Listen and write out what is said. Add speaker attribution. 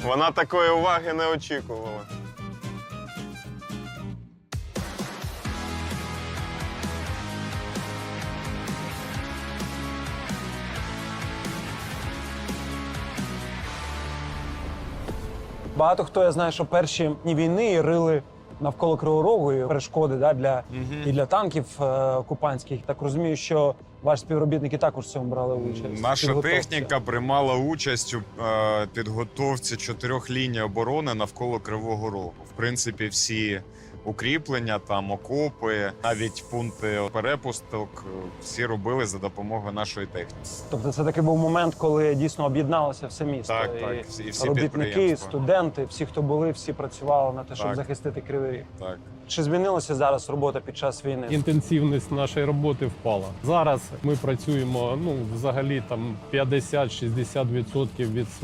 Speaker 1: Вона такої уваги не очікувала.
Speaker 2: Багато хто, я знаю, що перші дні війни рили навколо Кривого Рогу і перешкоди і для танків окупантських. Так розумію, що ваші співробітники також в цьому брали участь.
Speaker 3: Наша
Speaker 2: Підготовці.
Speaker 3: техніка приймала участь у підготовці 4 ліній оборони навколо Кривого Рогу. В принципі, всі укріплення, там окопи, навіть пункти перепусток всі робили за допомогою нашої техніки.
Speaker 2: Тобто це такий був момент, коли дійсно об'єдналося все місто.
Speaker 3: Так,
Speaker 2: І
Speaker 3: так, і всі
Speaker 2: робітники,
Speaker 3: підприємства.
Speaker 2: студенти, всі, хто були, всі працювали на те, щоб
Speaker 3: Так.
Speaker 2: захистити Кривий Ріг.
Speaker 3: Так.
Speaker 2: Чи змінилася зараз робота під час війни?
Speaker 4: Інтенсивність нашої роботи впала. Зараз ми працюємо взагалі там 50-60% від